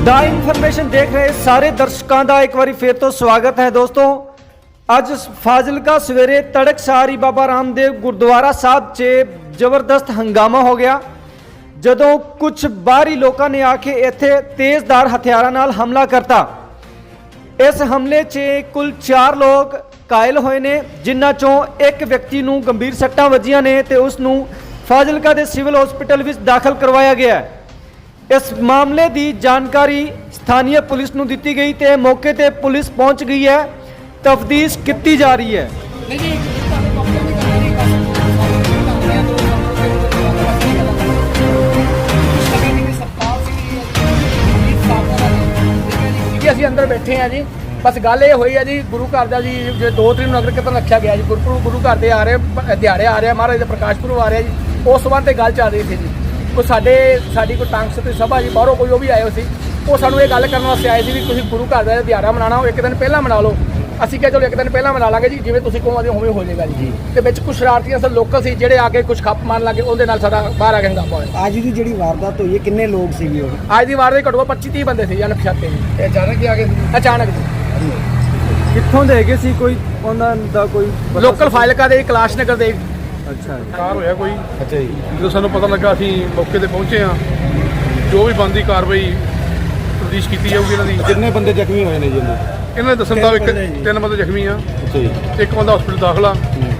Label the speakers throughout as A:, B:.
A: ਦਾ information ਦੇਖ ਰਹੇ ਸਾਰੇ ਦਰਸ਼ਕਾਂ ਦਾ ਇੱਕ ਵਾਰੀ ਫੇਰ ਤੋਂ ਸਵਾਗਤ ਹੈ ਦੋਸਤੋ। ਅੱਜ ਫਾਜ਼ਿਲਕਾ ਸਵੇਰੇ ਤੜਕਸਾਰ ਬਾਬਾ ਰਾਮਦੇਵ ਗੁਰਦੁਆਰਾ ਸਾਹਿਬ 'ਚ ਜ਼ਬਰਦਸਤ ਹੰਗਾਮਾ ਹੋ ਗਿਆ ਜਦੋਂ ਕੁਝ ਬਾਹਰੀ ਲੋਕਾਂ ਨੇ ਆ ਕੇ ਇੱਥੇ ਤੇਜ਼ਧਾਰ ਹਥਿਆਰਾਂ ਨਾਲ ਹਮਲਾ ਕਰਤਾ। ਇਸ ਹਮਲੇ 'ਚ ਕੁੱਲ 4 ਲੋਕ ਕਾਇਲ ਹੋਏ ਨੇ, ਜਿਨ੍ਹਾਂ ਚੋਂ ਇੱਕ ਵਿਅਕਤੀ ਨੂੰ ਗੰਭੀਰ ਸੱਟਾਂ ਵੱਜੀਆਂ ਨੇ ਤੇ ਉਸ ਨੂੰ ਫਾਜ਼ਿਲਕਾ ਦੇ ਸਿਵਲ ਹਸਪੀਟਲ ਵਿੱਚ ਦਾਖਲ ਕਰਵਾਇਆ ਗਿਆ ਹੈ। इस मामले की जानकारी स्थानीय पुलिस को दी गई तो मौके पर पुलिस पहुंच गई है, तफ्तीश की जा रही है।
B: ਅਸੀਂ ਅੰਦਰ ਬੈਠੇ ਆ ਜੀ। ਬਸ ਗੱਲ ਇਹ ਹੋਈ ਹੈ ਜੀ, ਗੁਰੂ ਘਰ ਦਾ ਜੀ ਜੇ 2 ਤਰੀਕ ਨੂੰ ਨਗਰ ਕੀਰਤਨ ਰੱਖਿਆ ਗਿਆ ਜੀ, ਗੁਰੂ ਘਰ ਦੇ ਆ ਰਹੇ ਦਿਹਾੜੇ ਆ ਰਹੇ, ਮਹਾਰਾਜ ਦਾ ਪ੍ਰਕਾਸ਼ ਪੁਰਬ ਆ ਰਿਹਾ ਜੀ। ਉਸ ਸੰਬੰਧ ਤੇ ਗੱਲ ਚੱਲ ਰਹੀ ਸੀ ਜੀ। ਕੋਈ ਸਾਡੀ ਕੋਈ ਟਾਂਗ ਸਤੀ ਸਭਾ ਜੀ ਬਾਹਰੋਂ ਕੋਈ ਉਹ ਵੀ ਆਏ ਹੋ ਸੀ, ਉਹ ਸਾਨੂੰ ਇਹ ਗੱਲ ਕਰਨ ਵਾਸਤੇ ਆਏ ਸੀ ਵੀ ਤੁਸੀਂ ਗੁਰੂ ਘਰ ਦਾ ਦਿਹਾੜਾ ਮਨਾਉਣਾ ਉਹ ਇੱਕ ਦਿਨ ਪਹਿਲਾਂ ਮਨਾ ਲਓ। ਅਸੀਂ ਕਿਹਾ ਚਲੋ ਇੱਕ ਦਿਨ ਪਹਿਲਾਂ ਮਨਾ ਲਾਂਗੇ ਜੀ, ਜਿਵੇਂ ਤੁਸੀਂ ਕਹੋਗੇ ਉਵੇਂ ਹੋ ਜਾਏਗਾ ਜੀ। ਤੇ ਵਿੱਚ ਕੁਝ ਸ਼ਰਾਰਤੀਆਂ ਸਨ ਲੋਕਲ ਸੀ ਜਿਹੜੇ ਆ ਕੇ ਕੁਝ ਖੱਪ ਮਾਰਨ ਲੱਗੇ, ਉਹਦੇ ਨਾਲ ਸਾਡਾ ਬਾਹਰ ਆ ਕੇ ਹੰਗਾਮਾ ਹੋਇਆ।
C: ਅੱਜ ਦੀ ਜਿਹੜੀ ਵਾਰਦਾਤ ਹੋਈ ਹੈ ਕਿੰਨੇ ਲੋਕ ਸੀਗੇ ਉਹ?
B: ਅੱਜ ਦੀ ਵਾਰ ਦੇ ਘੱਟੋ ਘੱਟ 25-30 ਬੰਦੇ ਸੀ ਅਣਪਛਾਤੇ ਜੀ।
C: ਇਹ ਅਚਾਨਕ ਹੀ ਆ ਗਏ?
B: ਅਚਾਨਕ ਜੀ।
A: ਕਿੱਥੋਂ ਦੇ ਗਏ ਸੀ? ਕੋਈ ਉਹਨਾਂ ਦਾ ਕੋਈ
B: ਲੋਕਲ ਫਾਜ਼ਿਲਕਾ ਦੇ ਕੈਲਾਸ਼ ਨਗਰ ਦੇ।
A: ਅੱਛਾ
D: ਕਾਰ ਹੋਇਆ ਕੋਈ।
C: ਅੱਛਾ ਜੀ।
D: ਜਦੋਂ ਸਾਨੂੰ ਪਤਾ ਲੱਗਾ ਅਸੀਂ ਮੌਕੇ ਤੇ ਪਹੁੰਚੇ ਹਾਂ। ਜੋ ਵੀ ਬਣਦੀ ਕਾਰਵਾਈ ਤਫਤੀਸ਼ ਕੀਤੀ ਜਾਊਗੀ ਇਹਨਾਂ ਦੀ।
C: ਕਿੰਨੇ ਬੰਦੇ ਜ਼ਖਮੀ ਹੋਏ ਨੇ ਜੀ?
D: ਇਹਨਾਂ ਦੇ ਦੱਸਣ ਦਾ 3 ਬੰਦੇ ਜ਼ਖਮੀ ਆ,
C: ਅੱਛਾ ਜੀ।
D: ਇੱਕ ਬੰਦਾ ਹਸਪੀਟਲ ਦਾਖਲਾ।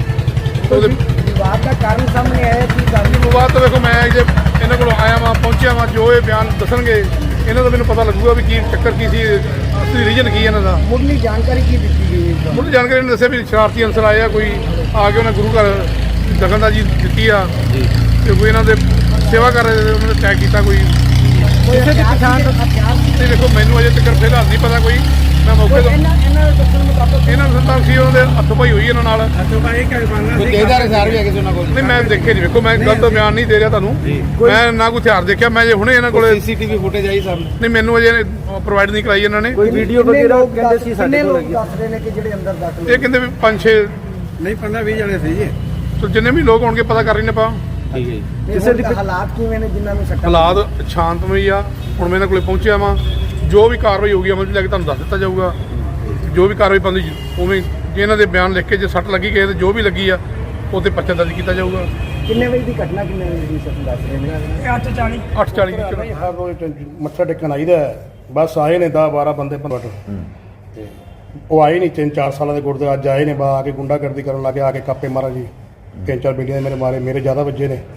D: ਉਹਦੇ
C: ਵਿਵਾਦ ਦਾ ਕਾਰਨ ਸਾਹਮਣੇ ਆਇਆ ਕਿ
D: ਬਾਅਦ ਤੋਂ ਵੇਖੋ ਮੈਂ ਜੇ ਇਹਨਾਂ ਕੋਲ ਆਇਆ ਵਾਂ ਪਹੁੰਚਿਆ ਵਾਂ, ਜੋ ਇਹ ਬਿਆਨ ਦੱਸਣਗੇ ਇਹਨਾਂ ਦਾ ਮੈਨੂੰ ਪਤਾ ਲੱਗੂਗਾ ਵੀ ਕੀ ਚੱਕਰ ਕੀ ਸੀ, ਅਸਲੀ ਰੀਜਨ ਕੀ ਇਹਨਾਂ ਦਾ।
C: ਮੁੱਢਲੀ ਜਾਣਕਾਰੀ ਕੀ ਦਿੱਤੀ ਗਈ ਹੈ?
D: ਮੁੱਢਲੀ ਜਾਣਕਾਰੀ ਨੇ ਦੱਸਿਆ ਵੀ ਸ਼ਰਾਰਤੀ ਅਨਸਰ ਆਏ ਆ, ਕੋਈ ਆ ਕੇ ਉਹਨਾਂ ਗੁਰੂ ਘਰ ਦਖਲਅੰਦਾਜ਼ੀ ਦਿੱਤੀ ਆ
C: ਜੀ।
D: ਤੇ ਕੋਈ ਇਹਨਾਂ ਦੇ ਸੇਵਾ ਕਰ ਰਹੇ ਉਹਨਾਂ ਨੇ ਅਟੈਕ ਕੀਤਾ। ਕੋਈ
C: ਕਿਸੇ ਦੀ ਪਛਾਣ
D: ਨਹੀਂ, ਦੇਖੋ ਮੈਨੂੰ ਅਜੇ ਤੱਕ ਫਿਲਹਾਲ ਨਹੀਂ ਪਤਾ ਕੋਈ। ਮੈਂ ਮੌਕੇ ਤੋਂ
C: ਇਹਨਾਂ ਦੇ ਦੱਸਣ ਮੁਤਾਬਕ
D: ਇਹਨਾਂ ਨੂੰ ਸੰਤਾਂ ਸੀ, ਉਹਨਾਂ ਦੇ ਹੱਥ ਪਾਈ ਹੋਈ ਇਹਨਾਂ ਨਾਲ।
C: ਕੋਈ ਤੇਜ਼ਧਾਰ ਹਥਿਆਰ ਵੀ ਹੈਗੇ ਸੀ ਉਹਨਾਂ ਕੋਲ?
D: ਨਹੀਂ ਮੈਂ ਦੇਖੇ ਨਹੀਂ, ਵੇਖੋ ਮੈਂ ਗਲਤ ਬਿਆਨ ਨਹੀਂ ਦੇ ਰਿਹਾ ਤੁਹਾਨੂੰ। ਮੈਂ ਨਾ ਕੋਈ ਹਥਿਆਰ ਦੇਖਿਆ, ਮੈਂ ਜੇ ਹੁਣੇ ਇਹਨਾਂ ਕੋਲੇ
C: ਸੀਸੀਟੀਵੀ ਫੁਟੇਜ ਆਈ ਸਾਹਮਣੇ?
D: ਨਹੀਂ ਮੈਨੂੰ ਅਜੇ ਪ੍ਰੋਵਾਈਡ ਨਹੀਂ ਕਰਾਈ ਇਹਨਾਂ ਨੇ।
A: ਕੋਈ ਵੀਡੀਓ ਵਗੈਰਾ ਕਹਿੰਦੇ ਸੀ ਸਾਡੇ ਕੋਲ
C: ਲੋਕ ਦੱਸ ਰਹੇ ਨੇ ਕਿ ਜਿਹੜੇ ਅੰਦਰ ਦਾਖਲ
D: ਇਹ ਕਹਿੰਦੇ ਵੀ 5-6
C: ਨਹੀਂ 15-20 ਜਣੇ ਸੀ ਜੀ।
D: ਤੇ ਜਿੰਨੇ ਵੀ ਲੋਕ ਹੋਣਗੇ ਪਤਾ ਕਰ ਰਹੇ ਨੇ ਆਪਾਂ।
C: ਠੀਕ ਹੈ ਜੀ।
A: ਕਿਸੇ ਦੀ
C: ਹਾਲਾਤ ਕਿਵੇਂ ਨੇ ਜਿਨ੍ਹਾਂ ਨੂੰ ਸੱਟਾਂ?
D: ਹਾਲਾਤ ਸ਼ਾਂਤਮਈ ਆ। ਹੁਣ ਮੈਂ ਇਹਨਾਂ ਕੋਲੇ ਪਹੁੰਚਿਆ ਵਾਂ, ਜੋ ਵੀ ਕਾਰਵਾਈ ਹੋਊਗੀ ਅਮਲ 'ਚ ਲੈ ਕੇ ਤੁਹਾਨੂੰ ਦੱਸ ਦਿੱਤਾ ਜਾਊਗਾ। ਜੋ ਵੀ ਕਾਰਵਾਈ ਬਣਦੀ ਉਵੇਂ ਜੇ ਇਹਨਾਂ ਦੇ ਬਿਆਨ ਲਿਖ ਕੇ ਜੇ ਸੱਟ ਲੱਗੀ ਗਏ ਤੇ ਜੋ ਵੀ ਲੱਗੀ ਆ ਉਹ 'ਤੇ ਪਰਚਾ ਦਰਜ ਕੀਤਾ ਜਾਊਗਾ।
C: ਕਿੰਨੇ ਵਜੇ ਦੀ ਘਟਨਾ, ਕਿੰਨੇ ਵਜੇ ਦੀ ਸੱਟ ਦੱਸ ਰਹੇ ਨੇ?
D: 8:40 ਦੀ
E: ਹਰ ਰੋਜ਼ ਮੱਥਾ ਟੇਕਣ ਆਈਦਾ। ਬਸ ਆਏ ਨੇ 10-12 ਬੰਦੇ ਪੰਡ ਤੇ ਉਹ ਆਏ ਨਹੀਂ। 3-4 ਸਾਲਾਂ ਦੇ ਗੁਰਦੇ ਅੱਜ ਆਏ ਨੇ, ਬਾ ਆ ਕੇ ਗੁੰਡਾਗਰਦੀ ਕਰਨ ਲੱਗੇ, ਆ ਕੇ ਕਾਪੇ ਮਾਰਾ ਜੀ। 3-4 ਬੇਲੀਆਂ ਮੇਰੇ ਮਾਰੇ, ਮੇਰੇ ਜ਼ਿਆਦਾ ਵੱਜੇ ਨੇ।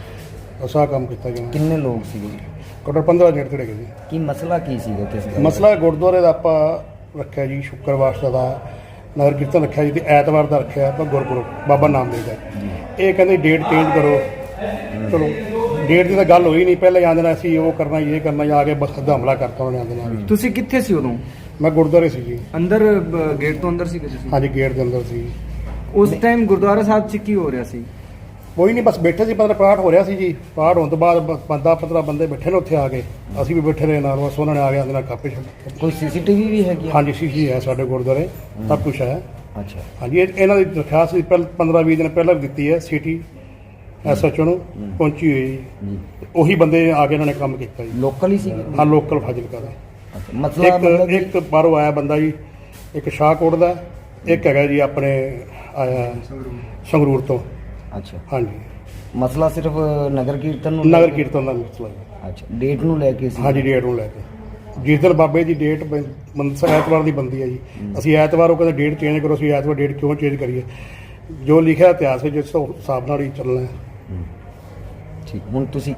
E: ਅਸਾ ਕੰਮ ਕੀਤਾ ਜੀ।
C: ਕਿੰਨੇ ਲੋਕ ਸੀਗੇ?
E: ਕੋਟਰ 15 ਜਣੇ ਖੜੇ ਗਏ ਜੀ।
C: ਕੀ ਮਸਲਾ ਕੀ ਸੀਗਾ? ਕਿਸ ਦਾ
E: ਮਸਲਾ ਗੁਰਦੁਆਰੇ ਦਾ ਆਪਾਂ ਰੱਖਿਆ ਜੀ, ਸ਼ੁੱਕਰਵਾਰ ਦਾ ਨਗਰ ਕੀਰਤਨ ਰੱਖਿਆ ਜੀ, ਤੇ ਐਤਵਾਰ ਦਾ ਰੱਖਿਆ ਆਪਾਂ ਗੁਰਪੁਰਬ ਬਾਬਾ ਨਾਮਦੇਵ ਦਾ। ਇਹ ਕਹਿੰਦੇ ਡੇਟ ਚੇਂਜ ਕਰੋ। ਚਲੋ ਡੇਟ ਦੀ ਤਾਂ ਗੱਲ ਹੋਈ ਨਹੀਂ, ਪਹਿਲਾਂ ਆਂਦੇ ਨਾਲ ਅਸੀਂ ਉਹ ਕਰਨਾ ਇਹ ਕਰਨਾ, ਜਾ ਕੇ ਬਸ ਸਿੱਧਾ ਹਮਲਾ ਕਰਤਾ ਉਹਨੇ ਆਂਦੇ ਨਾਲ।
A: ਤੁਸੀਂ ਕਿੱਥੇ ਸੀ ਉਦੋਂ?
E: ਮੈਂ ਗੁਰਦੁਆਰੇ ਸੀ ਜੀ।
A: ਅੰਦਰ ਗੇਟ ਤੋਂ ਅੰਦਰ ਸੀ ਤੁਸੀਂ?
E: ਹਾਂਜੀ ਗੇਟ ਦੇ ਅੰਦਰ ਸੀ।
A: ਉਸ ਟਾਈਮ ਗੁਰਦੁਆਰਾ ਸਾਹਿਬ 'ਚ ਕੀ ਹੋ ਰਿਹਾ ਸੀ?
E: ਕੋਈ ਨਹੀਂ, ਬਸ ਬੈਠੇ ਸੀ। ਪਤਾ ਪਾਠ ਹੋ ਰਿਹਾ ਸੀ ਜੀ। ਪਾਠ ਹੋਣ ਤੋਂ ਬਾਅਦ 10-15 ਬੰਦੇ ਬੈਠੇ ਨੇ ਉੱਥੇ ਆ ਕੇ, ਅਸੀਂ ਵੀ ਬੈਠੇ ਰਹੇ ਨਾਲ। ਬਸ ਉਹਨਾਂ ਨੇ ਆ ਕੇ ਉਹਦੇ ਨਾਲ ਕਾਪੇ ਛੱਡ।
C: ਕੋਈ ਸੀਸੀਟੀਵੀ ਵੀ ਹੈਗੀ?
E: ਹਾਂਜੀ ਸੀਸੀ ਹੈ ਸਾਡੇ ਗੁਰਦੁਆਰੇ, ਸਭ ਕੁਝ ਹੈ।
C: ਅੱਛਾ।
E: ਹਾਂਜੀ ਇਹਨਾਂ ਦੀ ਦਰਖਾਸਤ ਵੀ 15-20 ਦਿਨ ਪਹਿਲਾਂ ਵੀ ਦਿੱਤੀ ਹੈ। ਸਿਟੀ SHO ਨੂੰ ਪਹੁੰਚੀ ਹੋਈ ਜੀ। ਉਹੀ ਬੰਦੇ ਆ ਕੇ ਇਹਨਾਂ ਨੇ ਕੰਮ ਕੀਤਾ ਜੀ।
C: ਲੋਕਲ ਹੀ ਸੀਗੇ?
E: ਹਾਂ ਲੋਕਲ ਫਾਜ਼ਿਲਕਾ ਦਾ।
C: ਮਸਲਾ
E: ਇੱਕ ਬਾਹਰੋਂ ਆਇਆ ਬੰਦਾ ਜੀ, ਇੱਕ ਸ਼ਾਹਕੋਟ ਦਾ, ਇੱਕ ਹੈਗਾ ਜੀ ਆਪਣੇ ਆਇਆ ਸੰਗਰੂਰ ਤੋਂ।
C: ਅੱਛਾ।
E: ਹਾਂਜੀ
C: ਮਸਲਾ ਸਿਰਫ ਨਗਰ ਕੀਰਤਨ ਨੂੰ?
E: ਨਗਰ ਕੀਰਤਨ ਦਾ ਮਸਲਾ ਜੀ।
C: ਅੱਛਾ, ਡੇਟ ਨੂੰ ਲੈ ਕੇ ਸੀ?
E: ਹਾਂਜੀ ਡੇਟ ਨੂੰ ਲੈ ਕੇ। ਜਿਸ ਦਿਨ ਬਾਬੇ ਦੀ ਡੇਟ ਐਤਵਾਰ ਦੀ ਬਣਦੀ ਹੈ ਜੀ। ਅਸੀਂ ਐਤਵਾਰ ਉਹ ਕਹਿੰਦੇ ਡੇਟ ਚੇਂਜ ਕਰੋ। ਅਸੀਂ ਐਤਵਾਰ ਡੇਟ ਕਿਉਂ ਚੇਂਜ ਕਰੀਏ? ਜੋ ਲਿਖਿਆ ਇਤਿਹਾਸ ਵਿੱਚ ਜਿਸ ਹਿਸਾਬ ਨਾਲ ਹੀ ਚੱਲਣਾ ਹੈ।
C: ਠੀਕ। ਹੁਣ ਤੁਸੀਂ